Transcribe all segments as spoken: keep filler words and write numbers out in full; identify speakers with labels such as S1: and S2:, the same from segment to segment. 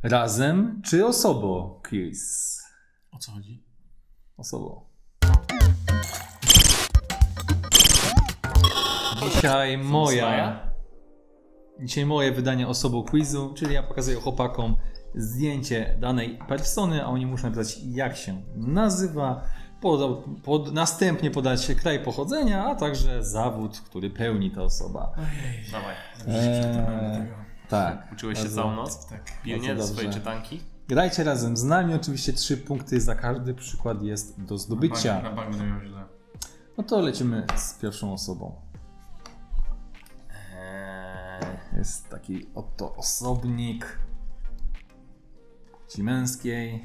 S1: Razem czy osobą? Quiz.
S2: O co chodzi?
S1: Osobą. Dzisiaj moja... Dzisiaj moje wydanie osobą quizu, czyli ja pokazuję chłopakom zdjęcie danej persony, a oni muszą napisać, jak się nazywa, pod, pod, następnie podać kraj pochodzenia, a także zawód, który pełni ta osoba.
S2: Ojej.
S3: Dawaj.
S1: Eee, tak.
S3: Uczyłeś się
S1: bardzo-
S3: całą noc?
S2: Tak.
S3: Pilnie
S1: Bardzo
S3: swojej
S1: dobrze.
S3: czytanki?
S1: Grajcie razem z nami, oczywiście trzy punkty za każdy przykład jest do
S2: Na
S1: zdobycia.
S2: bank będę miał źle.
S1: No to lecimy z pierwszą osobą.
S3: Eee,
S1: Jest taki oto osobnik płci męskiej.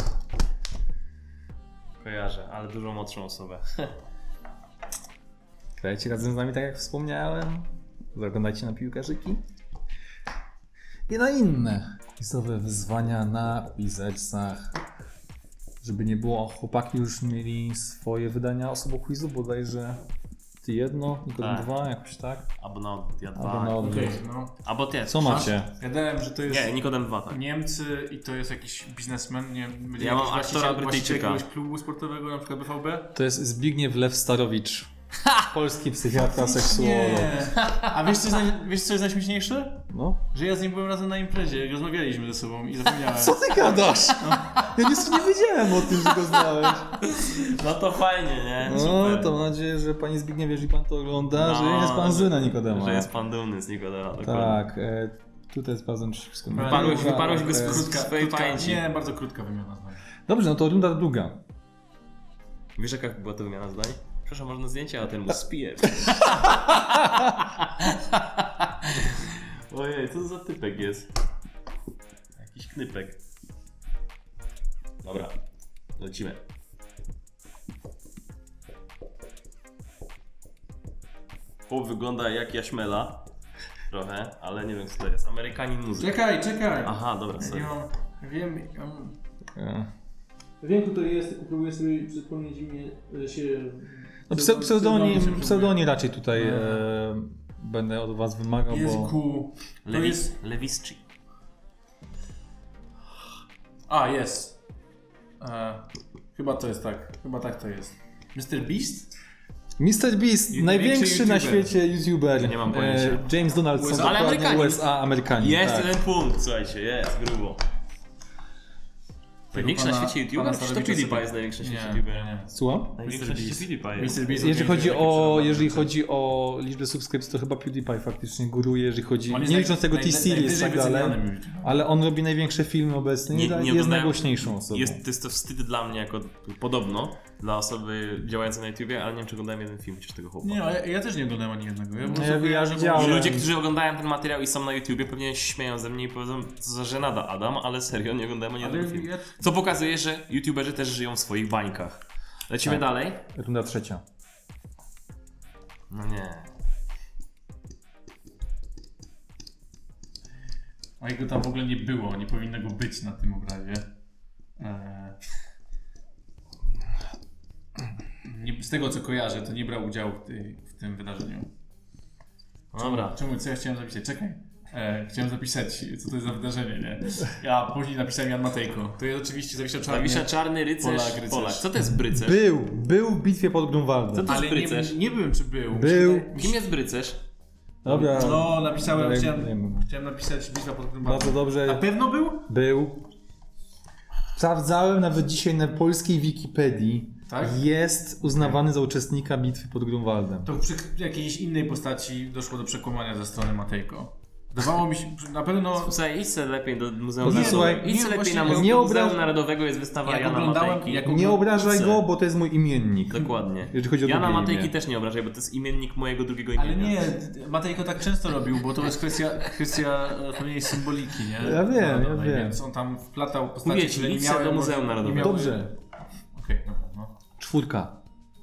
S3: kojarzę, ale dużo młodszą osobę.
S1: Grajcie razem z nami, tak jak wspomniałem. Zaglądajcie na piłkarzyki. I na inne quizowe wyzwania na Quizercach. Żeby nie było, chłopaki już mieli swoje wydania osobą quizu, bodajże ty jedno, Nikodem
S3: Tak.
S1: dwa, jakoś tak.
S3: Albo na odwrót, ja
S1: Albo
S3: dwa.
S1: na odwrót.
S2: Okej, no.
S3: Albo ty.
S1: Co macie?
S2: Ja dałem, że to jest
S3: Nie, Nikodem dwa, tak.
S2: Niemcy i to jest jakiś biznesmen, nie będzie
S3: Ja mam
S2: jakiś
S3: aktora
S2: właściciel- właściciel
S3: Brytyjczyka.
S2: jakiegoś klubu sportowego, na przykład B V B.
S1: To jest Zbigniew Lew Starowicz. Polski psychiatra, seksuolog.
S2: Nie. A wiesz co, jest naj, wiesz co jest najśmieszniejsze?
S1: No.
S2: Że ja z nim byłem razem na imprezie, jak rozmawialiśmy ze sobą i zapomniałem.
S1: Co ty gadasz? Ja nic nie wiedziałem o tym, że go znałeś.
S3: No to fajnie, nie?
S1: No,
S3: Super.
S1: to mam nadzieję, że panie Zbigniewie, jeżeli pan to ogląda,
S3: No,
S1: że jest pan zły na Nikodema.
S3: Że jest pan dumny z Nikodema, dokładnie.
S1: Tak, e, tutaj sprawdzam, czy wszystko...
S3: Wyparłeś-
S1: Druga,
S3: wyparłeś go z
S1: e,
S3: krótka- swojej pamięci.
S2: Nie, bardzo krótka wymiana zdań.
S1: Dobrze, no to runda druga.
S3: Wiesz jaka była to wymiana zdań? Proszę, można zdjęcie, a ten mu spije. Ojej, co to za typek jest? Jakiś knypek. Dobra, lecimy. Chłop wygląda jak Jaśmela. Trochę, ale nie wiem co to jest. Amerykanin muzyk.
S2: Czekaj, czekaj!
S3: Aha, dobra,
S2: Ja
S3: sorry.
S2: nie mam, wiem, ja mam...
S1: E,
S2: Wiem, kto to jest, tylko próbuję sobie przypomnieć imię się...
S1: No, pse, pseudonim,
S2: się
S1: pseudonim raczej tutaj
S2: E.
S1: e, będę od was wymagał, bo...
S2: Jezu, to
S3: Lewi-
S2: jest...
S3: Lewisczy.
S2: A, jest. E, chyba to jest tak, chyba tak to jest. mister Beast?
S1: mister Beast,
S2: I
S1: największy na
S2: YouTuber.
S1: świecie YouTuber.
S3: Nie mam pojęcia.
S1: E, James Donaldson,
S2: U S A.
S3: Ale
S1: dokładnie
S3: Amerykanin.
S1: U S A, Amerykanin.
S3: Jest
S1: tak.
S3: jeden punkt, słuchajcie, jest, grubo. Największy na
S2: pana-
S3: świecie
S2: pana
S3: YouTuber? Czy to
S2: Starowicza
S3: PewDiePie
S2: sobie-
S3: jest największy na świecie
S2: Nie,
S3: YouTuber?
S2: nie, nie.
S1: Słucham?
S3: Największy na
S2: mister
S3: świecie
S2: Beast.
S3: PewDiePie jest.
S2: mister Beast
S1: Jeżeli
S2: to
S1: chodzi
S2: jest
S1: o,
S2: taki
S1: jeżeli
S2: przewodnik.
S1: chodzi o liczbę subskrypcji, to chyba PewDiePie faktycznie góruje, jeżeli chodzi,
S2: On jest
S1: nie
S2: naj-
S1: licząc tego
S2: naj-
S1: T-Series i tak
S2: najwyżej
S1: dalej,
S2: wycenianym YouTuberem.
S1: ale on robi największe filmy obecnie
S3: Nie-
S1: i
S3: nie
S1: jest
S3: oglądałem-
S1: najgłośniejszą osobą.
S3: Jest, to jest to wstyd dla mnie jako podobno, dla osoby działającej na YouTubie, ale nie wiem czy oglądałem jeden film chociaż tego chłopa.
S2: Nie, ja, ja też nie oglądałem ani jednego. Ja, po
S1: Nie,
S2: prostu
S1: ja
S2: kojarzę, bo-
S1: widziałem.
S3: I ludzie, którzy oglądają ten materiał i są na YouTubie, pewnie się śmieją ze mnie i powiedzą, co za żenada Adam, ale serio, nie oglądałem ani jednego
S2: Ale
S3: filmu.
S2: ja,
S3: Co pokazuje, że YouTuberzy też żyją w swoich bańkach. Lecimy
S1: Tak.
S3: dalej.
S1: Runda trzecia.
S3: No nie.
S2: a jego tam w ogóle nie było, nie powinno go być na tym obrazie. Eee... Nie, z tego co kojarzę, to nie brał udziału w, tej, w tym wydarzeniu.
S3: Dobra.
S2: Czemu, co ja chciałem zapisać? Czekaj. E, chciałem zapisać, co to jest za wydarzenie, nie? Ja później napisałem Jan Matejko. To jest oczywiście Zawisza Czarny.
S3: Zawisza Czarny rycerz,
S2: Polak, rycerz.
S3: Polak. Co to jest brycerz?
S1: Był, był w bitwie pod
S3: Co
S1: Grunwaldem.
S3: to
S2: Ale
S3: jest
S2: nie,
S3: brycerz?
S2: nie byłem, czy był.
S1: Był.
S2: Mi się wydaje-
S3: Kim jest brycerz?
S1: Dobra,
S2: No, napisałem,
S1: Ale
S2: chciałem,
S1: nie wiem.
S2: chciałem napisać Bitwa pod Grunwaldem.
S1: bardzo
S2: Na
S1: dobrze.
S2: pewno był?
S1: Był. Sprawdzałem nawet dzisiaj na polskiej Wikipedii.
S2: Tak?
S1: Jest uznawany za uczestnika bitwy pod Grunwaldem.
S2: To przy jakiejś innej postaci doszło do przekłamania ze strony Matejko. Wydawało mi się, na pewno...
S3: Słuchaj, idź sobie lepiej do Muzeum
S1: No,
S3: Narodowego.
S1: słuchaj,
S3: idź
S2: nie,
S3: sobie lepiej na
S2: właśnie
S3: Muzeum,
S1: nie obraż-
S3: Muzeum Narodowego, jest wystawa
S2: Jak
S3: Jana
S2: oglądałem-
S3: Matejki.
S2: jak
S1: Nie obrażaj
S3: Co?
S1: go, bo to jest mój imiennik.
S3: Dokładnie.
S1: Jeżeli chodzi o
S3: Jana
S1: drugie
S3: Matejki
S1: imię.
S3: też nie obrażaj, bo to jest imiennik mojego drugiego imienia.
S2: Ale nie, Matejko tak często robił, bo to jest kwestia, kwestia e, pewnej symboliki, nie?
S1: Ja wiem, ja
S2: no,
S1: wiem.
S2: Więc on tam wplatał postacie,
S3: Mówię ci,
S2: które nie
S3: idź sobie
S2: miały...
S3: do Muzeum
S2: nie
S3: Narodowego.
S2: miały-
S1: Dobrze.
S2: Okej, dobra, no.
S1: Czwórka.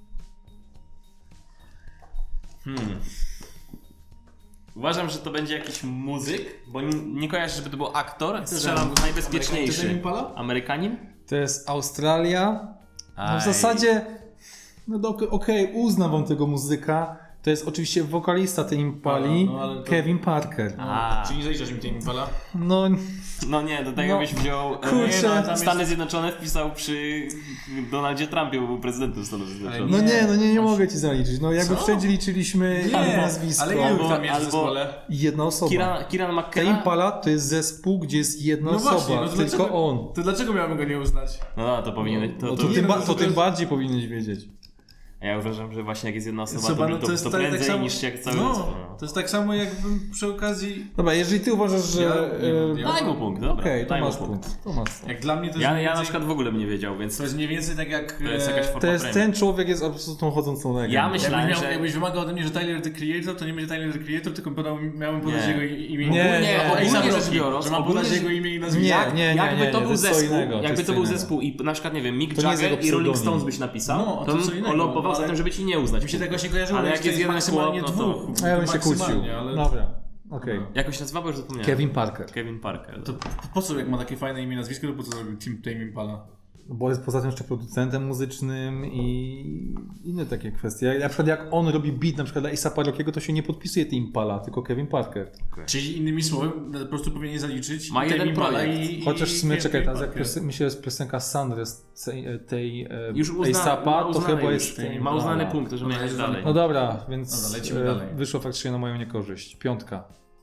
S3: Hmm. Uważam, że to będzie jakiś muzyk, bo nie, nie kojarzę, żeby to był aktor. Strzelam w najbezpieczniejszy.
S2: Impala?
S3: Amerykanin?
S1: To jest Australia. No w
S3: Aj.
S1: zasadzie, no do- okej, uznam wam tego muzyka. To jest oczywiście wokalista tej Impali,
S2: No, no, ale to-
S1: Kevin Parker.
S3: A,
S2: Czy nie zaliczasz mi tej Impala?
S1: No,
S3: no nie, do tego
S1: No,
S3: byś wziął... e,
S1: kurczę.
S3: nie, no,
S2: tam
S3: Stany
S2: jest-
S3: Zjednoczone wpisał przy Donaldzie Trumpie, bo był prezydentem Stanów Zjednoczonych.
S1: no
S2: Nie,
S1: nie, no nie, nie
S2: właśnie.
S1: mogę ci zaliczyć. No jakby
S2: Co?
S1: wszędzie liczyliśmy
S2: Nie,
S1: nazwisko.
S2: ale ilu
S3: Albo-
S2: tam jest w
S3: albo-
S2: zespole?
S1: Jedna osoba.
S3: Kieran, Kieran
S1: Ta
S3: McKenna...
S1: Impala to jest zespół, gdzie jest jedna
S2: No
S1: osoba,
S2: właśnie, no to
S1: tylko
S2: dlaczego-
S1: on.
S2: To dlaczego miałbym go nie uznać?
S3: No, no to powinien... To,
S1: No
S3: to,
S1: to,
S2: nie,
S1: tym,
S2: no
S1: ba-
S2: to
S1: to
S2: to
S1: tym
S2: jest-
S1: bardziej powinieneś wiedzieć.
S3: Ja uważam, że właśnie jak jest jedna osoba,
S2: Osoba,
S3: to,
S2: no
S3: to,
S2: to jest
S3: to
S2: tak- tak
S3: prędzej
S2: samo-
S3: niż jak cały
S2: No,
S3: zespół. No.
S2: to jest tak samo jakbym przy okazji...
S1: Dobra, jeżeli ty uważasz, że...
S2: Ja- nie,
S1: e,
S2: ja-
S3: Daj mu punkt, dobra.
S1: Okej, to
S3: daj mu
S1: masz punkt. To masz.
S2: Jak dla mnie to jest
S3: Ja,
S2: mniej
S3: ja na
S2: więcej-
S3: przykład w ogóle bym nie wiedział, więc
S2: To jest mniej więcej tak jak...
S3: to jest jakaś
S2: e,
S3: forma
S1: To jest,
S3: premii.
S1: ten człowiek jest absolutną chodzącą legendą.
S3: Ja myślę-
S2: Jakbyś,
S3: Myślałem,
S2: miał,
S3: że-
S2: jakbyś wymagał ode mnie, że Tyler the Creator, to nie będzie Tyler the Creator, tylko podał, miałem podać
S3: Nie.
S2: jego imię.
S1: Nie,
S2: Ogólnie-
S1: nie,
S2: o,
S1: ogólnie
S2: Ejsa
S3: rzecz
S2: Rocky,
S3: biorąc,
S2: że mam
S3: ogólnie
S2: podać
S3: rzecz-
S2: jego imię i nazwisko.
S1: Nie, nie, nie,
S3: jakby
S1: nie,
S3: to
S1: to
S3: był
S1: jest co
S3: zespół,
S1: innego, to
S3: jakby
S1: jest
S3: to
S1: co
S3: był
S1: innego.
S3: zespół i na przykład, nie wiem, Mick
S1: To nie jest
S3: Jagger
S1: jego
S3: i Rolling
S1: pseudonim.
S3: Stones byś napisał,
S2: No, to
S3: to
S2: co
S3: bym
S2: innego,
S3: lądował za
S2: ale-
S3: tym, żeby ci nie uznać.
S2: Mi się tak właśnie kojarzyło,
S3: Ale
S2: że
S3: jak
S2: to
S3: jest jeden
S2: maksymalnie
S3: chłop, no to-
S2: dwóch.
S1: A ja bym się kłócił.
S2: Maksymalnie, ale...
S1: Dobra, okej.
S2: No.
S3: Jakoś nazywa, bo już zapomniałem.
S1: Kevin Parker.
S3: Kevin Parker.
S2: To po, po co, jak ma takie fajne imię i nazwisko, to po co zrobił Team Tame Impala?
S1: Bo jest poza tym jeszcze producentem muzycznym i inne takie kwestie. Jak, na przykład jak on robi beat na przykład dla A$apa Rockiego, to się nie podpisuje Tim Impala, tylko Kevin Parker.
S2: Czyli innymi słowy, po prostu powinien zaliczyć
S3: Ma
S2: Tame
S3: jeden
S2: Impala
S3: projekt.
S2: i, i
S1: Chociaż w sumie,
S2: i-
S1: czekaj,
S2: i-
S1: teraz jak
S2: Parker.
S1: pios- mi się jest piosenka Sandres tej, tej e,
S3: Już uzna, ma
S1: A$apa, to
S3: uznany
S1: chyba
S3: już,
S1: jest...
S2: Tame
S3: ma uznany
S1: Impala.
S3: punkt, że
S2: No,
S3: miałeś
S2: jest
S3: dalej.
S1: No dobra, więc
S2: Dobra, lecimy
S1: e,
S2: dalej.
S1: wyszło faktycznie na moją niekorzyść. Piątka.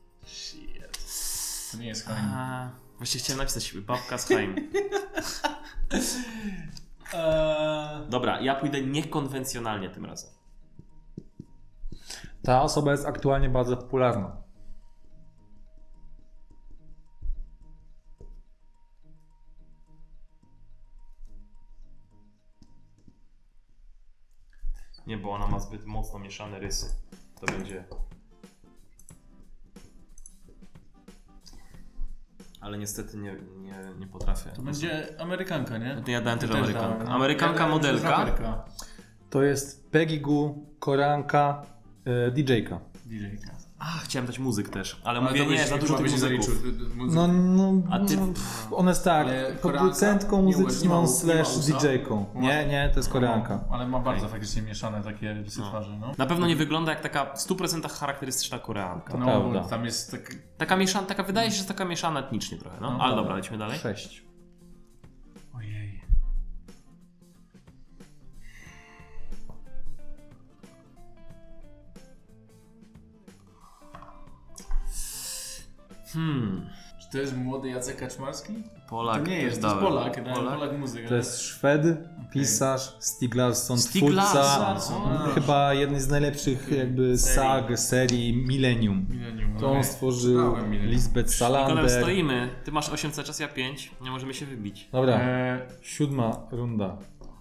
S2: To nie jest Haim.
S3: A, Właśnie chciałem napisać babka z Haim.
S2: Eee,
S3: Dobra, ja pójdę niekonwencjonalnie tym razem.
S1: Ta osoba jest aktualnie bardzo popularna.
S3: Nie, bo ona ma zbyt mocno mieszane rysy. To będzie... Ale niestety nie, nie, nie potrafię.
S2: to będzie Amerykanka, nie?
S3: No to ja dałem też
S2: Też
S3: Amerykankę.
S2: dałem.
S3: Amerykanka
S2: Ja dałem też
S3: modelka.
S2: raperka.
S1: To jest Peggy Goo, Koranka, e, D J-ka.
S2: D J-ka.
S3: A, chciałem dać muzyk też, ale,
S2: Ale
S3: mówię
S2: to
S3: nie,
S2: byś-
S3: za dużo
S2: chyba
S3: tych
S2: byś nie
S3: muzyków.
S2: zaliczył, muzyk.
S1: No, no,
S3: A ty-
S1: no ona jest tak,
S2: Ale
S1: producentką
S2: Koreanka? Nie, nie
S1: muzyczną
S2: ma-
S1: slash
S2: nie ma usa?
S1: D J-ką. Nie, nie, to jest Koreanka.
S2: No, ale ma bardzo faktycznie mieszane takie rysy
S3: No.
S2: twarzy, no.
S3: Na pewno nie wygląda jak taka w stu procentach charakterystyczna Koreanka.
S2: No,
S1: prawda.
S2: bo tam jest tak...
S3: Taka mieszana, taka wydaje się, że jest taka mieszana etnicznie trochę, no.
S2: No,
S3: Ale
S2: dobra.
S3: dobra, lecimy dalej.
S1: Sześć.
S2: Ojej.
S3: Hmm,
S2: Czy to jest młody Jacek Kaczmarski?
S3: Polak.
S2: To nie
S3: też
S2: jest, to jest
S3: dałem.
S2: Polak, Polak,
S3: Polak.
S2: Polak muzyka.
S1: To jest Szwed, pisarz, Stieg Larsson,
S3: Stieg
S1: twórca
S3: Larsson,
S2: a.
S1: chyba jednej z najlepszych jakby sag serii Millennium.
S2: Millennium,
S1: To on
S2: okej.
S1: stworzył
S2: Znałem Millennium.
S1: Lisbeth
S3: Nikolem,
S1: Salander.
S3: stoimy. Ty masz osiem cały czas, ja pięć. Nie możemy się wybić.
S1: Dobra,
S2: Eee,
S1: siódma runda.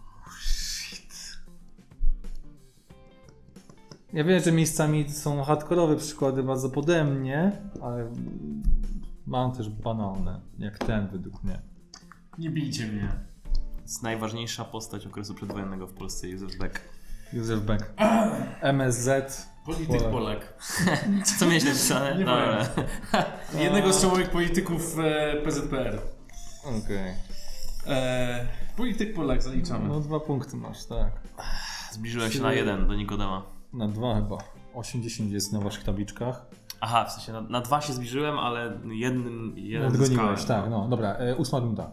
S1: Ja wiem, że miejscami są hardkorowe przykłady bardzo pode mnie, ale mam też banalne, jak ten według mnie.
S2: nie bijcie mnie.
S3: To jest najważniejsza postać okresu przedwojennego w Polsce, Józef Beck.
S1: Józef Beck. M S Z.
S2: Polityk
S1: Polak.
S2: Polak.
S3: Co miałeś napisane?
S2: Nie
S3: Dobra.
S2: Jednego z czołowych polityków e, P Z P R.
S1: Okej.
S2: E, polityk Polak, zaliczamy.
S1: No dwa punkty masz, tak.
S3: Zbliżyłem się na jeden do Nikodema.
S1: Na dwa chyba. osiem dziesięć jest na waszych tabliczkach.
S3: Aha, w sensie na, na dwa się zbliżyłem, ale jednym jeden
S1: Odgoniłeś,
S3: zyskałem.
S1: tak, no dobra. E, ósma runda.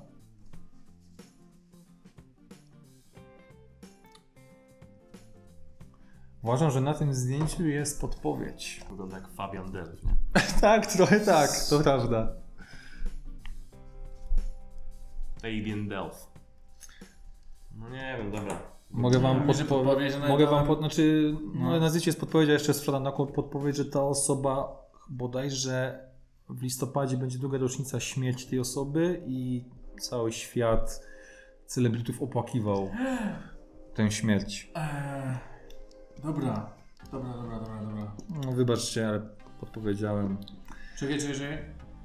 S1: Uważam, że na tym zdjęciu jest podpowiedź.
S3: Wygląda jak Fabian Delf, nie?
S1: Tak, trochę tak, to prawda.
S3: Fabian Delf. No nie wiem, dobra.
S1: Mogę wam
S2: Mówisz, że
S1: podpowiedzieć.
S2: podpowiedź, że
S1: Mogę wam
S2: nawet-
S1: pod... Znaczy, no.
S2: No.
S1: na zdjęciu jest podpowiedź, a jeszcze sprzedam taką podpowiedź, że ta osoba bodajże w listopadzie będzie druga rocznica śmierci tej osoby i cały świat celebrytów opłakiwał tę śmierć.
S2: Eee, dobra. Dobra, dobra, dobra, dobra.
S1: No, wybaczcie, ale podpowiedziałem.
S2: Czekaj, czekaj, czekaj. Eee,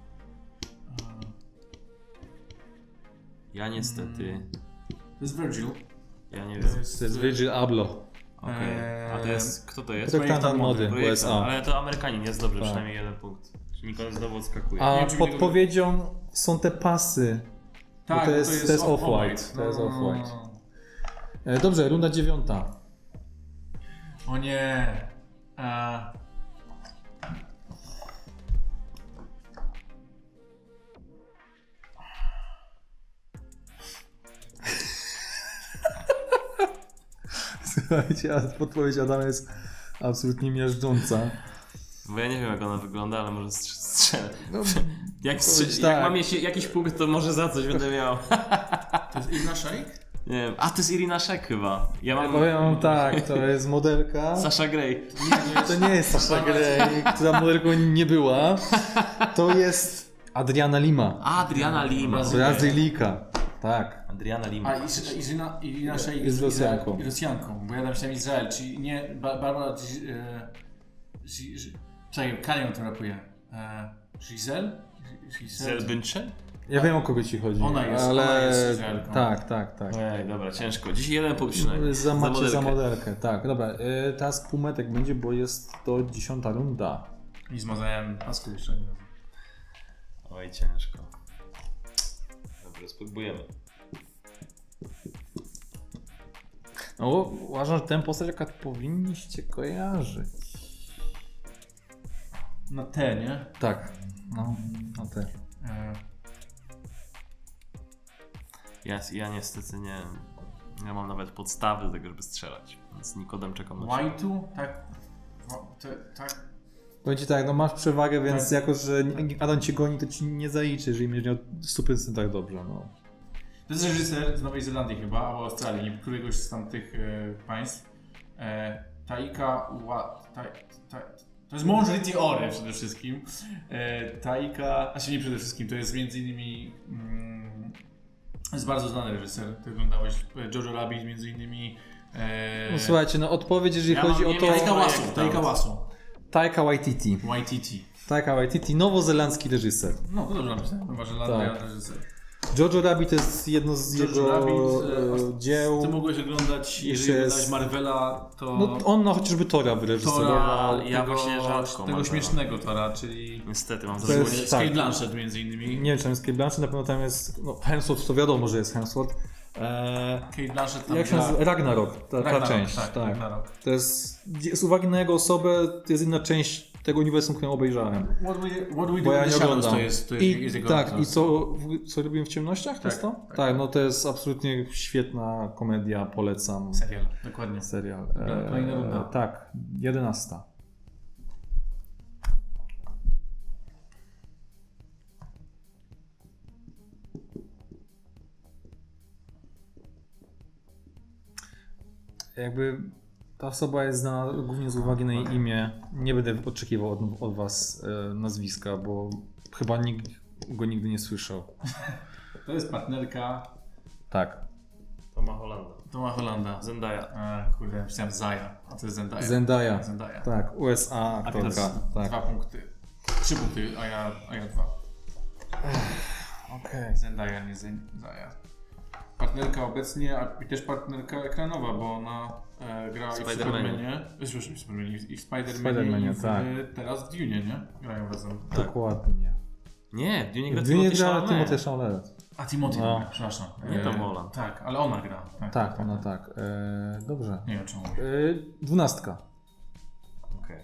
S3: Ja niestety...
S2: to jest Virgil.
S3: Ja nie wiem.
S1: To jest Virgil Abloh.
S3: Okej. A to jest... Kto to jest?
S1: Projektant mody w U S A.
S3: Ale to Amerykanin jest dobrze,
S1: Tak.
S3: przynajmniej jeden punkt. Czyli Nikodem znowu odskakuje.
S1: A
S2: Nie wiem, czy mi
S1: podpowiedzią są te pasy.
S2: Tak,
S1: Bo to jest- to jest Off-White. To jest
S2: No,
S1: Off-White.
S2: no, no.
S1: E, Dobrze, runda dziewiąta.
S2: O nie. E...
S1: Słuchajcie, a podpowiedź Adama jest absolutnie miażdżąca.
S3: Bo ja nie wiem jak ona wygląda, ale może strz- strzelę.
S1: No,
S3: Jak,
S1: Powiedz
S3: strze-
S1: tak.
S3: jak mam jeśli, jakiś punkt, to może za coś będę miał.
S2: To jest Irina Shayk?
S3: Nie wiem. A to jest Irina Shayk chyba. Ja mam
S1: powiem wam tak, to jest modelka.
S3: Sasha Grey.
S1: To nie jest Sasha Grey, która modelką nie była. To jest Adriana Lima.
S3: Adriana Lima.
S1: Brazylika. Tak.
S3: Adriana Lima.
S2: A Irina, Irina Shayk
S1: Jest Rosjanką.
S2: Izrael- Rosjanką, bo ja napisałem Izrael, czyli nie Ba- Barbara... Gi- e, Gi- Gi- Czekaj, Kanią to rapuje. E, Giselle? Giselle?
S3: Zelbyncze?
S1: Ja wiem o kogo ci chodzi.
S2: Ona jest-
S1: ale...
S2: ona jest Izraelką.
S1: Tak, tak, tak.
S3: Ej, dobra, ciężko. Dziś jeden punkt przynajmniej.
S1: Za, macie
S3: modelkę.
S1: za modelkę. Tak, dobra. Y, teraz półmetek będzie, bo jest to dziesiąta runda.
S2: I zmazałem pasku jeszcze nie razu.
S3: Oj, ciężko. Dobra, spróbujemy.
S1: No, uważam, że tę postać jaka powinniście kojarzyć.
S2: Na T, nie?
S1: Tak. No, no te.
S2: E,
S3: Ja, ja niestety nie... Nie mam nawet podstawy do tego, żeby strzelać. Więc Nikodem czekam na
S2: White'u? Tak. O, te, tak.
S1: Powiem ci tak, no masz przewagę, więc
S2: Tak.
S1: jako, że Adam cię goni, to ci nie zaliczy, jeżeli będziesz miał sto procent tak dobrze, no.
S2: To jest reżyser z Nowej Zelandii chyba, albo Australii, nie któregoś z tamtych e, państw. E, Taika Wa... Ta, ta, to jest mąż Ricci Ore przede wszystkim. E, Taika... Znaczy nie przede wszystkim, to jest między innymi... Mm, jest bardzo znany reżyser. Ty oglądałeś e, Jojo Rabbit między innymi... E,
S1: No słuchajcie, no odpowiedź, jeżeli
S3: Ja
S1: chodzi
S3: mam-
S1: o
S3: nie
S1: to...
S3: miałem-
S2: Taika Wasu,
S3: projekt
S2: Taika
S3: tam.
S2: Wasu.
S1: Taika Waititi.
S2: Waititi.
S1: Taika Waititi, nowozelandzki reżyser.
S2: No to dobrze napisałem. Nowa Zelandia,
S1: Tak.
S2: reżyser.
S1: Jojo Rabbit to jest jedno z
S2: Jojo
S1: jego
S2: Rabbit,
S1: e,
S2: e,
S1: dzieł.
S2: Ty mogłeś oglądać, jeżeli
S1: Jeszcze
S2: oglądałeś
S1: jest-
S2: Marvela, to...
S1: No on no, chociażby Tora wyreżyserował.
S2: Tora,
S3: ja
S2: tego,
S3: właśnie rzadko
S2: tego
S3: Marvela.
S2: śmiesznego Tora, czyli
S3: Niestety, mam za
S1: To
S3: złe.
S1: jest-
S2: z
S1: tak.
S2: Kate Blanchett między innymi.
S1: Nie wiem, czy tam jest Kate Blanchett, na pewno tam jest, no Hemsworth, to wiadomo, że jest Hemsworth. Eee,
S2: Kate Blanchett tam
S1: jak się
S2: gra-
S1: nazywa? Ragnarok, ta, ta
S2: Ragnarok,
S1: część.
S2: tak,
S1: Tak,
S2: Ragnarok.
S1: To jest, z uwagi na jego osobę, to jest inna część tego uniwersum, którą obejrzałem.
S2: What we, what we
S1: Bo
S2: do
S1: ja
S2: in
S1: nie
S2: the shadows
S1: oglądam.
S2: to jest, to jest,
S1: I,
S2: jest jego
S1: tak,
S2: autor.
S1: i co, co robimy w ciemnościach? To jest to?
S2: tak.
S1: Tak, no to jest absolutnie świetna komedia, polecam.
S2: Serial, dokładnie.
S1: Serial.
S2: Dobra, kolejna runda.
S1: tak, jedenasta. Jakby ta osoba jest znana głównie z uwagi na jej imię. Nie będę oczekiwał od, od was e, nazwiska, bo chyba nikt go nigdy nie słyszał.
S2: To jest partnerka
S1: Tak.
S3: Toma Hollanda.
S2: Toma Hollanda.
S3: Zendaya.
S2: A, kurde, myślałem Zaya, a to jest Zendaya.
S1: Zendaya.
S2: Zendaya.
S1: Tak, U S A
S2: A teraz
S1: aktorka. Tak.
S2: dwa punkty. Trzy punkty, a ja, a ja dwa.
S1: Okej.
S2: Zendaya, nie Zendaya. Partnerka obecnie, a i też partnerka ekranowa, bo ona e, gra i w
S3: Spider-Manie.
S2: Supermanie, przepraszam, w Supermanie, i w Spider-Manie,
S1: Spider-Manie,
S2: i w,
S1: tak.
S2: teraz w Dune, nie? Grają razem.
S1: Dokładnie.
S3: Nie, w Dune gra
S1: W Dune
S3: Timothée
S1: gra
S3: Chalamet.
S1: Timothée Chalamet.
S2: A Timothy,
S1: No.
S2: gra, przepraszam.
S3: Nie
S2: E,
S3: Tom Holland.
S2: Tak, ale ona gra. Tak,
S1: Tak, ona tak. E, dobrze.
S2: Nie wiem czemu.
S1: E, dwunastka.
S3: Okej.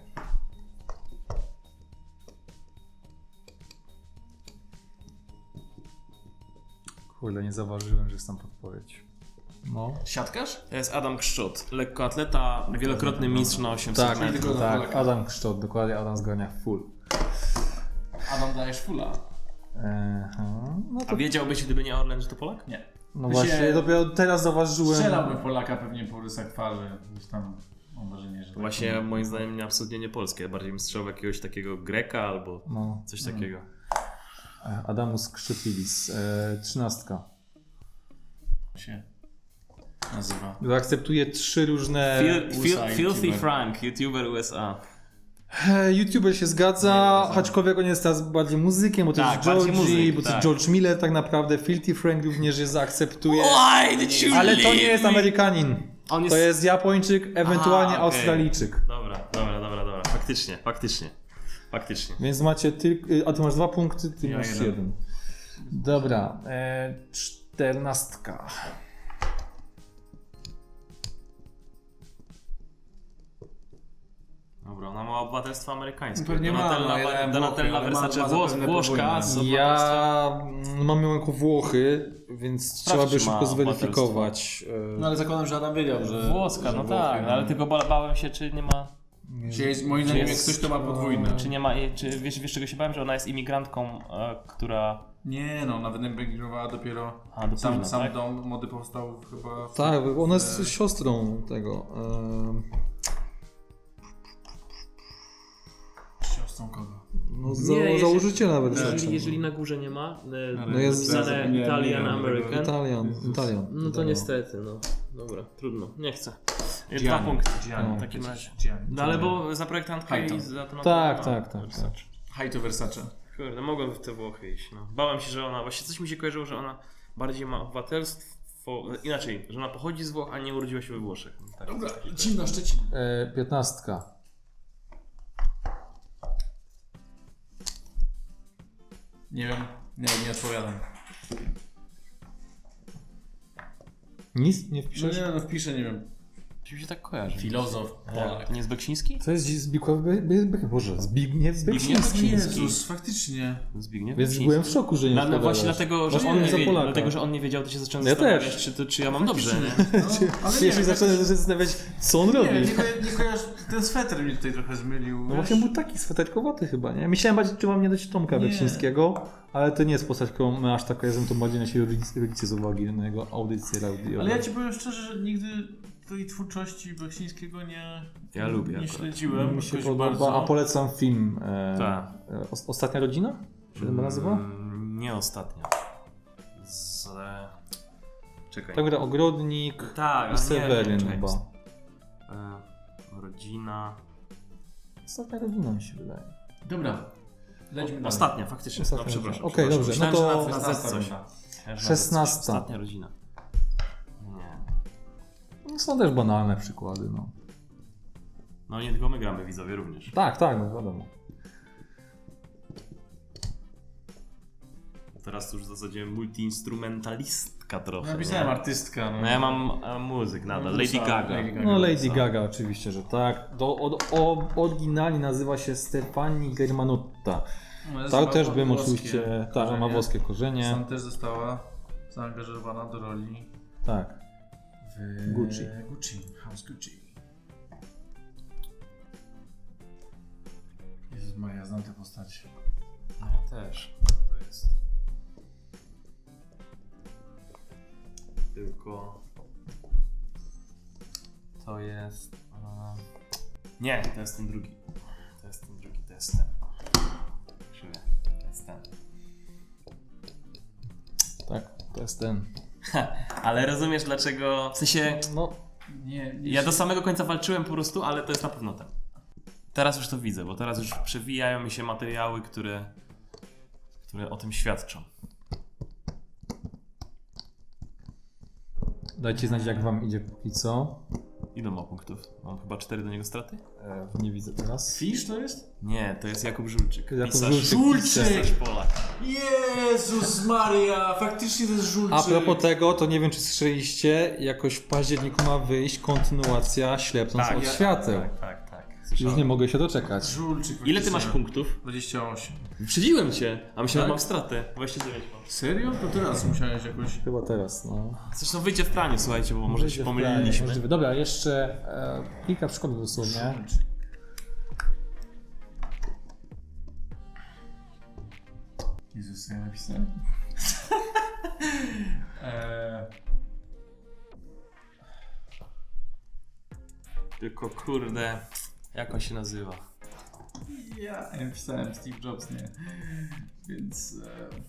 S1: Kurde, nie zauważyłem, że jest tam podpowiedź. No.
S2: Siatkarz?
S3: To jest Adam Krzczot, lekkoatleta, wielokrotny mistrz na osiemset
S1: Tak,
S3: metrów.
S2: tylko na
S1: tak.
S2: Polaka.
S1: Adam Kszczot, dokładnie Adam Zgania full.
S2: Adam dajesz fula.
S1: Aha, no
S3: A
S1: to
S3: wiedziałbyś, gdyby nie Orlen, że to Polak?
S2: Nie.
S1: no
S2: Ty
S1: właśnie,
S2: się-
S1: dopiero teraz zauważyłem.
S2: Strzelałbym Polaka pewnie po rysach twarzy. Gdzieś tam mam wrażenie, że...
S3: Właśnie
S2: tak,
S3: moim zdaniem nie, absolutnie nie polskie, bardziej bym strzelał w jakiegoś takiego Greka albo
S1: No.
S3: coś takiego.
S1: E, Adamus Krzytwilis. E, trzynastka.
S2: się nazywa.
S1: Akceptuje trzy różne.
S3: Fil, fil,
S2: U S A
S3: Filthy
S2: YouTuber.
S3: Frank, YouTuber U S A.
S1: E, YouTuber się zgadza, aczkolwiek on jest teraz bardziej muzykiem, bo to
S3: Tak,
S1: jest
S3: bardziej
S1: Georgie,
S3: muzyk,
S1: bo to
S3: tak.
S1: jest George Miller tak naprawdę. Filthy Frank również je zaakceptuje.
S3: Why did you
S1: Ale to nie
S3: leave
S1: jest
S3: me?
S1: Amerykanin.
S3: On jest...
S1: To jest Japończyk, ewentualnie
S3: Aha, okej.
S1: Australijczyk.
S3: Dobra, dobra, dobra, dobra. Faktycznie, faktycznie. Faktycznie.
S1: Więc macie tylko. A ty masz dwa punkty, ty
S2: Ja
S1: masz
S2: jeden.
S1: jeden. Dobra, e, czternastka.
S3: Dobra, dobra, ona ma obywatelstwo amerykańskie.
S2: Pewnie ma,
S3: Donatella,
S2: no, ja dałem
S3: Donatella
S2: Włochy, ale ma-
S3: Versace
S2: ma
S3: Włos,
S2: zapewne
S3: Włoszka
S2: podwójne.
S3: z obywatelstwem...
S1: Ja mm, mam ją jako Włochy, więc
S3: Sprawdź,
S1: trzeba by
S3: czy ma
S1: szybko zweryfikować.
S2: No ale zakładam, że Adam wiedział, że...
S3: Włoska,
S2: że
S3: no
S2: Włochy,
S3: tak, ale tylko ba- bałem się, czy nie ma...
S2: Czy jest, moim zdaniem, jak ktoś to ma podwójne.
S3: Czy nie ma, czy wiesz, wiesz czego się bałem, że ona jest imigrantką, e, która...
S2: Nie no, nawet emigrowała dopiero...
S3: A, do
S2: Sam,
S3: późna,
S2: sam
S3: tak?
S2: dom mody powstał chyba... W,
S1: Tak, ona jest
S2: w-
S1: siostrą tego. em,
S2: Siostrą kogo?
S1: No, za,
S3: Nie, jeżeli-
S1: założyciela Versace.
S3: Jeżeli, jeżeli na górze nie ma, e,
S2: No
S1: jest-
S3: napisane
S2: nie, nie,
S3: Italian
S2: nie, nie,
S3: American,
S1: Italian, Italian.
S3: no to
S1: Italian.
S3: niestety, no. Dobra, trudno, nie chcę. Dwa
S2: Gianni.
S3: punkty.
S2: Gianni,
S3: w takim
S2: przecież.
S3: razie.
S2: Gianni.
S3: No ale bo za projektantkę
S2: Hajto.
S3: i za to...
S1: Tak, tak, tak,
S3: Versace.
S2: High to Versace.
S3: Kurde, mogłem w te Włochy iść, no. Bałem się, że ona, właśnie coś mi się kojarzyło, że ona bardziej ma obywatelstwo, inaczej, że ona pochodzi z Włoch, a nie urodziła się we Włoszech. Tak,
S2: Dobra,
S3: coś takiego.
S2: lecimy na Szczecin.
S1: E, piętnastka.
S2: Nie wiem, nie wiem, nie odpowiadam.
S1: Nic nie
S2: No
S1: wpiszesz?
S2: nie, no wpiszę, nie wiem.
S3: Czy mi się tak kojarzy?
S2: Filozof, Polak.
S3: To nie jest Beksiński?
S1: To jest Zbigniew, Be, Be, Be, Boże, Zbigniew
S3: Zbigniew
S1: Beksiński.
S3: Beksiński.
S2: Jezus, faktycznie.
S3: Zbigniew
S1: Więc
S3: Beksiński.
S1: byłem w szoku, że nie
S3: No, no
S1: odpowiadasz.
S3: właśnie dlatego, że
S1: Masz
S3: on nie
S1: za
S3: wie,
S1: Polaka.
S3: dlatego, że on nie wiedział, to się zacząłem
S1: Ja
S3: zastanawiać,
S1: też.
S3: czy, to, czy ja mam dobrze, nie?
S2: No, ale
S1: Ja się
S2: nie,
S1: zacząłem
S2: jakoś-
S1: zastanawiać, co on robi.
S2: Nie, nie, ko- nie kojarzę, ten sweter mnie tutaj trochę zmylił.
S1: No
S2: wiesz?
S1: właśnie był taki sweterkowaty chyba, nie? Myślałem bardziej, czy mam nie dać Tomka
S2: Nie.
S1: Beksińskiego, ale to nie jest postać, którą my aż tak kojarzymy, to bardziej nasi rodzice, rodzice z uwagi na jego audycję radiowe.
S2: Ale ja ci powiem szczerze, że nigdy tej twórczości Beksińskiego nie,
S3: Ja lubię
S2: nie
S3: akurat.
S2: śledziłem.
S1: Mi się
S2: jakoś
S1: podoba,
S2: bardzo.
S1: a polecam film e,
S3: Tak.
S1: e, Os- Ostatnia rodzina? Czy się chyba nazywa?
S3: Mm, nie ostatnio. Z... e, Czekaj.
S1: Tak, gra Ogrodnik
S3: Tak,
S1: i
S3: a nie,
S1: Seweryn
S3: czekaj.
S1: chyba.
S3: E, rodzina...
S1: Ostatnia rodzina mi się wydaje.
S2: Dobra, lećmy dalej.
S3: Ostatnia, faktycznie.
S1: Ostatnia
S3: no, przepraszam.
S1: rodzina. Okej,
S3: przepraszam.
S1: dobrze, no
S3: Myślałem,
S1: to-
S3: że na, na Z coś.
S2: Szesnasta.
S3: Myślałem, że na Z coś.
S1: Szesnasta.
S3: Ostatnia rodzina. Nie.
S1: No, są też banalne przykłady, no.
S3: No nie tylko my gramy, widzowie również.
S1: Tak, tak, no wiadomo.
S3: Teraz to już w zasadzie multiinstrumentalistka trochę.
S2: Napisałem
S3: nie?
S2: artystka. No,
S3: No ja mam e, muzyk nadal, Lady
S2: Musa,
S3: Gaga.
S2: Lady Gaga.
S1: No Lady
S3: Co?
S1: Gaga oczywiście, że tak. Do, od, o, oryginalnie nazywa się Stefani Germanotta.
S2: No, jest
S1: To
S2: ma
S1: też bym
S2: włoskie
S1: oczywiście, tak,
S2: korzenie.
S1: ma włoskie korzenie.
S2: Sam też została zaangażowana do roli
S1: Tak.
S2: w
S1: Gucci.
S2: Gucci, House Gucci. Jezus Maria, znam tę postać.
S3: No ja też. To jest... Tylko... To jest... e, Nie, to jest ten drugi. To jest ten drugi, to jest ten. Krzywy. To jest ten.
S1: Tak, to jest ten.
S3: Ale rozumiesz dlaczego... W sensie...
S1: No,
S2: Nie, nie
S3: Ja do samego końca walczyłem po prostu, ale to jest na pewno ten. Teraz już to widzę, bo teraz już przewijają mi się materiały, które, które o tym świadczą.
S1: dajcie znać, jak wam idzie póki co.
S3: Ile ma punktów? Mam chyba cztery do niego straty?
S1: E, nie widzę teraz.
S2: Fisz to jest?
S3: Nie, to jest Jakub Żulczyk.
S1: Jakub
S3: Pisarz.
S1: Żulczyk.
S2: Żulczyk!
S3: Pisarz Polak.
S2: Jezus Maria, faktycznie to jest Żulczyk.
S1: A propos tego, to nie wiem, czy słyszeliście, jakoś w październiku ma wyjść kontynuacja Ślepnąc
S3: Tak,
S1: od
S3: ja-
S1: świateł.
S3: Tak, tak, tak.
S1: Już
S3: Słyszałem.
S1: nie mogę się doczekać.
S2: Żulczyk.
S3: Ile ty
S2: faktycznie.
S3: masz punktów?
S2: dwadzieścia osiem.
S3: Wyprzedziłem cię, a myślałem,
S2: Tak?
S3: że mam stratę. dwadzieścia dziewięć mam.
S2: Serio? To teraz musiałeś jakoś...
S1: Chyba teraz, no.
S3: Zresztą wyjdzie w praniu, słuchajcie, bo może się
S1: Wyjdzie w planie,
S3: pomyliliśmy.
S1: możliwe. Dobra, jeszcze e, kilka przykładów dosłownie.
S2: Żulczyk. Jezus, co ja napisałem? eee,
S3: Tylko kurde, jak on się nazywa?
S2: ja napisałem Steve Jobs, nie? Więc... E,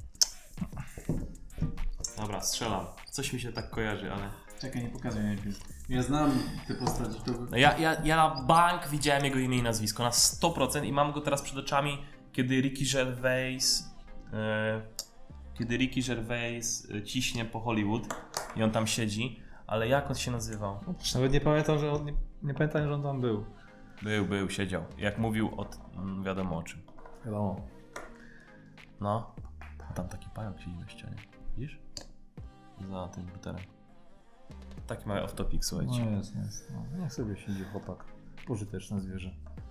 S3: Dobra, strzelam. Coś mi się tak kojarzy, ale...
S2: czekaj, nie pokazuj najpierw. Ja znam te postaci, to...
S3: No ja, ja, ja na bank widziałem jego imię i nazwisko, na sto procent i mam go teraz przed oczami, kiedy Ricky Gervais... E, kiedy Ricky Gervais e, ciśnie po Hollywood i on tam siedzi, ale jak on się nazywał?
S1: Nawet nie pamiętam, że on, nie, nie pamiętam, że on tam był.
S3: Był, był, siedział. Jak mówił o mm, wiadomo o czym.
S1: Wiadomo.
S3: No. A tam taki pająk siedzi na ścianie. Widzisz? Za tym buterem. Taki mały off-topic, słuchajcie.
S1: No jest, jest. No, niech sobie siedzi chłopak. Pożyteczne zwierzę.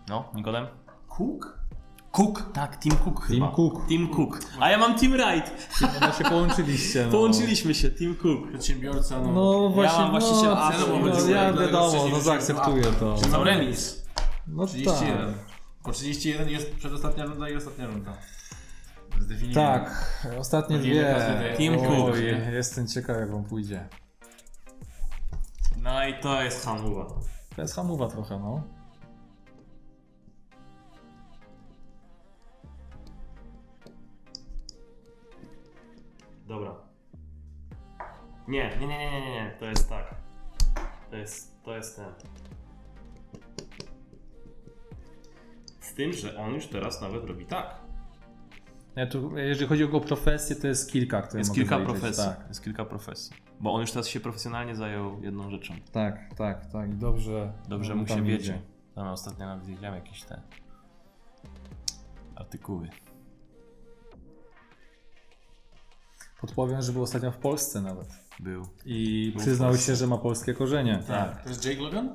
S3: No, Nikodem?
S2: Cook?
S3: Cook, tak, Team Cook chyba.
S1: Team Cook.
S3: Team Cook. A ja mam Team Wright.
S1: No się połączyliście. No.
S3: Połączyliśmy się, Team Cook.
S2: Przedsiębiorca, no.
S1: No właśnie,
S3: mam właściciela
S1: no,
S3: Apple,
S1: no,
S2: bo
S1: ja
S2: dlatego
S1: wiadomo,
S2: wcześniej
S1: no
S2: wziąłem
S1: zaakceptuję to.
S2: Apple. Mam remis.
S1: No
S2: trzydzieści jeden.
S1: tak.
S2: Po trzydzieści jeden jest przedostatnia runda i ostatnia runda. Zdefiniowanie.
S1: Tak, ostatnie
S2: Takie
S1: dwie.
S2: każdy
S3: Team
S1: Oj,
S3: Cook.
S1: jestem ciekaw jak wam pójdzie.
S3: No i to jest hamuwa.
S1: To jest hamowa trochę, no.
S3: Dobra. Nie, nie, nie, nie, nie, nie, to jest tak. To jest, to jest ten. Z tym, że on już teraz nawet robi tak.
S1: Ja tu, jeżeli chodzi o jego profesję, to jest kilka, które
S3: Jest
S1: mogę
S3: kilka
S1: zaliczyć,
S3: profesji.
S1: Tak,
S3: Jest kilka profesji. Bo on już teraz się profesjonalnie zajął jedną rzeczą.
S1: tak, tak, tak. I dobrze.
S3: Dobrze
S1: on
S3: mu
S1: tam
S3: się
S1: idzie.
S3: wiedzie. Tam ostatnio nawet widziałem jakieś te artykuły.
S1: Podpowiem, że był ostatnio w Polsce nawet.
S3: Był.
S1: I
S3: Był w
S1: przyznał
S3: Polsce.
S1: się, że ma polskie korzenie.
S3: Tak.
S2: To jest Jake Logan?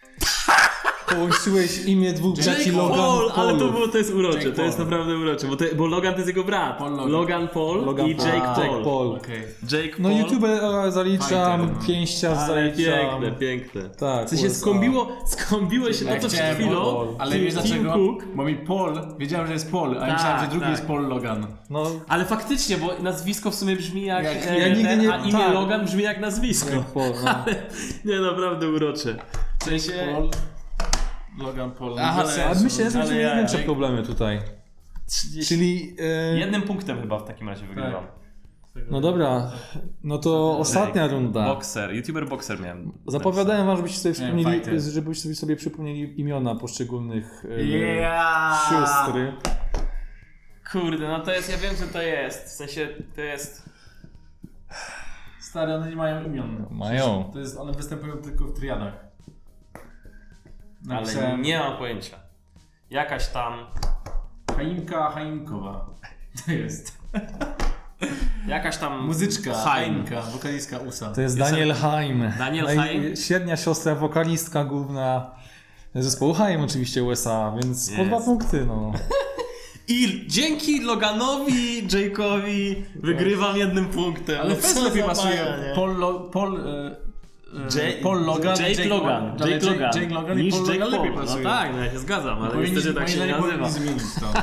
S1: Połączyłeś imię dwóch braci Logan
S3: Paul, ale to,
S1: Paulów.
S3: było, to jest urocze,
S2: Jake
S3: to jest
S2: Paul.
S3: naprawdę urocze, bo, to, bo Logan to jest jego brat.
S2: Paul Logan.
S3: Logan Paul
S1: Logan
S3: i
S1: Paul.
S3: Jake
S1: A,
S3: Paul.
S1: Jake Paul.
S2: Okej.
S3: Jake
S1: No
S3: Paul.
S1: YouTube e, zaliczam,
S2: Fighter.
S1: pięściarz
S3: Ale
S1: zaliczam.
S3: piękne, piękne.
S1: Tak.
S3: W sensie
S1: U S A.
S3: skąbiło, skąbiło się
S2: Ja
S3: to, co przed
S2: chciałem
S3: chwilą.
S1: Paul.
S2: Ale
S3: Team-
S2: wiesz
S3: Team
S2: dlaczego?
S3: Cook.
S2: Bo mi Paul, wiedziałem, że jest Paul, a
S3: Tak,
S2: ja myślałem, że drugi
S3: tak.
S2: jest Paul Logan.
S1: No,
S3: Ale faktycznie, bo nazwisko w sumie brzmi jak,
S2: Jak-
S3: e,
S1: ja nigdy
S3: ten,
S1: nie-
S3: a imię
S1: tak.
S3: Logan brzmi jak nazwisko.
S1: Jake Paul, no.
S3: Nie, naprawdę urocze. W sensie...
S2: Paul. Logan Paul.
S3: Aha,
S2: Bez
S3: ale-
S1: A
S2: sensu.
S1: myślę, że
S3: Ale
S1: będziemy
S3: ja-
S1: największe problemy tutaj. Czyli... E,
S3: Jednym punktem chyba w takim razie wygrywam.
S1: no dobra, no to ostatnia runda.
S3: Boxer, YouTuber Boxer miałem.
S1: Zapowiadałem wam, żebyście sobie
S2: Nie,
S1: przypomnieli,
S2: fighter.
S1: żebyście sobie przypomnieli imiona poszczególnych e,
S2: Yeah!
S1: sióstr.
S3: Kurde, no to jest, ja wiem, że to jest. W sensie, to jest...
S2: Stary, one nie mają imion.
S1: Mają.
S2: To jest, one występują tylko w triadach.
S3: Ale
S2: Napisałem
S3: nie mam pojęcia. Jakaś tam...
S2: Chaimka Chaimkowa. To jest.
S3: Jakaś tam...
S2: Muzyczka
S3: Chaim.
S2: Chaimka, wokalistka U S A.
S1: To jest
S3: Jest-
S1: Daniel Haim.
S3: Daniel
S1: Naj-
S3: Haim?
S1: Średnia siostra, wokalistka główna zespołu Haim oczywiście U S A, więc po
S3: Jest.
S1: dwa punkty, no.
S3: I dzięki Loganowi, Jake'owi wygrywam jednym punktem.
S2: Ale
S3: No
S2: fest
S3: co
S2: lepiej
S3: za
S2: pasuje.
S3: bania, nie?
S2: Paul, Lo, Paul, e, e,
S3: Jake-
S2: Paul Logan,
S3: Jake, Logan,
S2: ale
S3: Jake Logan,
S2: Jake Logan i
S3: niż
S2: Paul
S3: Jake
S2: Logan lepiej
S3: Paul.
S2: pasuje.
S3: No tak, no ja się zgadzam, ale
S2: Powinni-
S3: niestety tak się
S2: powinni-
S3: nie
S2: powinni
S3: nazywa.
S2: zmienić to.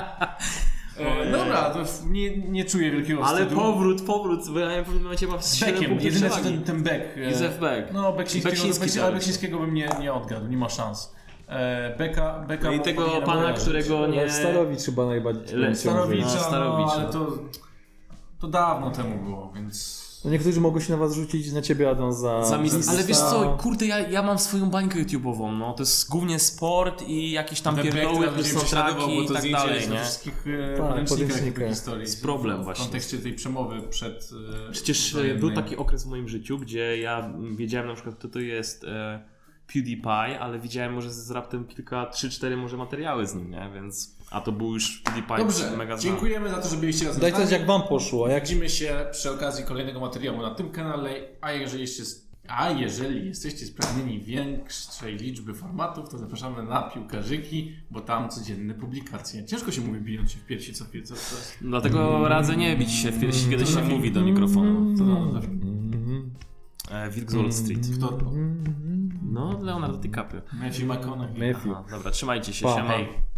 S2: E, dobra, to w- nie, nie czuję wielkiego
S3: Ale
S2: wstydu.
S3: powrót, powrót, bo ja w pewnym momencie mam
S2: z
S3: siedem
S2: Beckiem,
S3: punktów
S2: jedyny co
S3: przewagi.
S2: ten, ten Beck. e,
S3: Józef Beck.
S2: No, Beksińskiego,
S3: Beksiński
S2: Beksiński,
S3: tak.
S2: ale Beksińskiego bym nie, nie odgadł, nie ma szans. E, Beka, Beka
S3: No i
S2: mu
S3: tego
S2: powinienem
S3: pana,
S2: kojarzyć.
S3: którego nie...
S1: Starowicz chyba najbardziej.
S3: Le-
S2: Starowicza,
S3: No,
S2: no,
S3: Starowicz,
S2: ale
S3: no.
S2: to, to dawno temu było, więc...
S1: No niektórzy mogą się na was rzucić, na ciebie Adam za...
S3: Za mis-
S1: za-
S3: ale wiesz co, kurde, ja, ja mam swoją bańkę YouTube'ową, no to jest głównie sport i jakieś tam
S2: Ten Beck
S3: pierdoły,
S2: teraz będzie
S3: plus
S2: prześladował,
S3: soundtracki
S2: bo
S3: i
S2: to
S3: tak
S2: zdjęcie
S3: dalej,
S2: jest we
S3: nie?
S2: wszystkich
S1: Tak,
S2: podręcznikach
S1: podręcznikach.
S2: historii.
S3: Jest problem
S2: w,
S3: właśnie.
S2: W kontekście tej przemowy przed... e,
S3: Przecież e,
S2: wojennej.
S3: był taki okres w moim życiu, gdzie ja mm, wiedziałem na przykład, kto to jest e, PewDiePie, ale widziałem może z raptem kilka, trzy, cztery może materiały z nim, nie? Więc... A to był już PewDiePie
S2: Dobrze,
S3: mega znany.
S2: dziękujemy za to, że byliście razem
S1: Daj
S2: z nami.
S1: też jak wam poszło, a jak...
S2: Widzimy się przy okazji kolejnego materiału na tym kanale, a jeżeli jeszcze... A jeżeli jesteście spragnieni większej liczby formatów, to zapraszamy na Piłkarzyki, bo tam codzienne publikacje. Ciężko się mówi bijąc się w piersi co co, co
S3: Dlatego radzę nie bić się w piersi, kiedy się mówi do mikrofonu.
S2: to no, zawsze.
S3: E, Wilk z Wall Street.
S2: Kto to?
S3: No, Leonardo DiCaprio.
S2: Matthew McConaughey.
S1: Matthew.
S3: Aha, dobra, trzymajcie się,
S1: Pa.
S3: siema.
S2: Hej.